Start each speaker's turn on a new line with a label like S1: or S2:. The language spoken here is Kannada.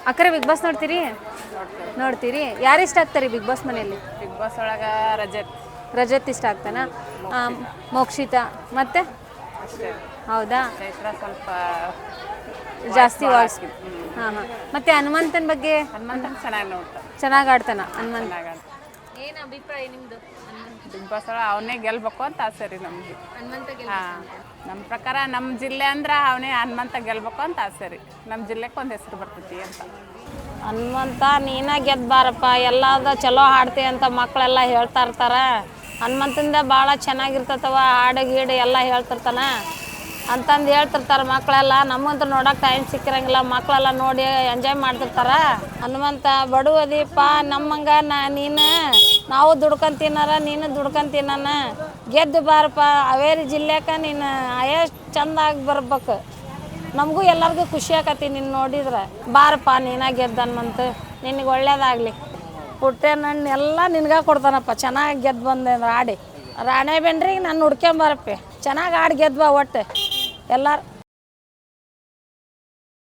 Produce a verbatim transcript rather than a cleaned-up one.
S1: ಅಕ್ಕರೆ ಬಿಗ್ ಬಾಸ್ ನೋಡ್ತೀರಿ? ನೋಡ್ತೀರಿ. ಯಾರು ಇಷ್ಟ ಆಗ್ತಾರೆ ಬಿಗ್ ಬಾಸ್ ಮನೆಯಲ್ಲಿ?
S2: ಬಿಗ್ ಬಾಸ್ ಒಳಗೆ ರಜತ್
S1: ರಜತ್ ಇಷ್ಟ ಆಗ್ತಾನ, ಮೋಕ್ಷಿತಾ ಮತ್ತೆ
S2: ಅಷ್ಟೇ.
S1: ಹೌದಾ?
S2: ಚೈತ್ರ ಸ್ವಲ್ಪ
S1: ಜಾಸ್ತಿ ವಾಯ್ಸ್. ಹಾಂ ಹಾಂ. ಮತ್ತೆ ಹನುಮಂತನ ಬಗ್ಗೆ?
S2: ಹನುಮಂತನ ಚೆನ್ನಾಗಿ ನೋಡ್ತಾರೆ,
S1: ಚೆನ್ನಾಗಿ ಆಡ್ತಾನ ಹನುಮಂತ.
S2: ಚೆನ್ನಾಗಿ ಆಡ್ತಾರೆ.
S1: ಏನು ಅಭಿಪ್ರಾಯ ನಿಮ್ಮದು?
S2: ಬಿಗ್ ಬಾಸ್ ಒಳಗೆ ಅವನೇ ಗೆಲ್ಬೇಕು ಅಂತ ಆಸೆ ರೀ ನಮಗೆ.
S1: ಹನುಮಂತ
S2: ಹಾಂ, ನಮ್ಮ ಪ್ರಕಾರ ನಮ್ಮ ಜಿಲ್ಲೆ ಅಂದ್ರೆ ಅವನೇ ಹನುಮಂತ ಗೆಲ್ಬೇಕು ಅಂತ ಆಸೆ ರೀ. ನಮ್ಮ ಜಿಲ್ಲೆಗೆ ಒಂದು ಹೆಸರು ಬರ್ತೈತಿ ಅಂತ.
S3: ಹನುಮಂತ ನೀನ ಗೆದ್ದು ಬಾರಪ್ಪ, ಎಲ್ಲದ ಚಲೋ ಹಾಡ್ತಿ ಅಂತ ಮಕ್ಕಳೆಲ್ಲ ಹೇಳ್ತಾ ಇರ್ತಾರೆ. ಹನುಮಂತಂದ ಭಾಳ ಚೆನ್ನಾಗಿರ್ತತವ, ಹಾಡು ಗೀಡು ಎಲ್ಲ ಹೇಳ್ತಿರ್ತಾನ ಅಂತಂದು ಹೇಳ್ತಿರ್ತಾರೆ ಮಕ್ಕಳೆಲ್ಲ. ನಮ್ಮಂತೂ ನೋಡೋಕೆ ಟೈಮ್ ಸಿಕ್ಕಿರಂಗಿಲ್ಲ, ಮಕ್ಕಳೆಲ್ಲ ನೋಡಿ ಎಂಜಾಯ್ ಮಾಡ್ತಿರ್ತಾರೆ. ಹನುಮಂತ ಬಡವದೀಪ ನಮ್ಮಂಗ ನಾ ನೀನು ನಾವು ದುಡ್ಕೊಂಡು ತಿನ್ನಾರ, ನೀನು ದುಡ್ಕೊಂಡು ತಿನ್ನಾನ, ಗೆದ್ದು ಬಾರಪ್ಪ. ಹಾವೇರಿ ಜಿಲ್ಲೆಗೆ ನೀನು ಎಷ್ಟು ಚೆಂದಾಗಿ ಬರ್ಬೇಕು, ನಮಗೂ ಎಲ್ಲರಿಗೂ ಖುಷಿ ಆಕತಿ ನಿನ್ನ ನೋಡಿದ್ರೆ. ಬಾರಪ್ಪ ನೀನ ಗೆದ್ದು ಹನುಮಂತ, ನಿನಗೆ ಒಳ್ಳೇದಾಗಲಿ. ಪುಟ್ಟೆನಣ್ಣು ಎಲ್ಲ ನಿನ್ಗೆ ಕೊಡ್ತಾನಪ್ಪ, ಚೆನ್ನಾಗಿ ಗೆದ್ದು ಬಂದೆ ಅಂದ್ರೆ ಆಡಿ. ರಾಣೆಬೆನ್ರಿಗೆ ನಾನು ಹುಡ್ಕೊಂಬರಪ್ಪಿ, ಚೆನ್ನಾಗಿ ಆಡಿ ಗೆದ್ದು ಬಾ ಒಟ್ಟು ಎಲ್ಲರೂ.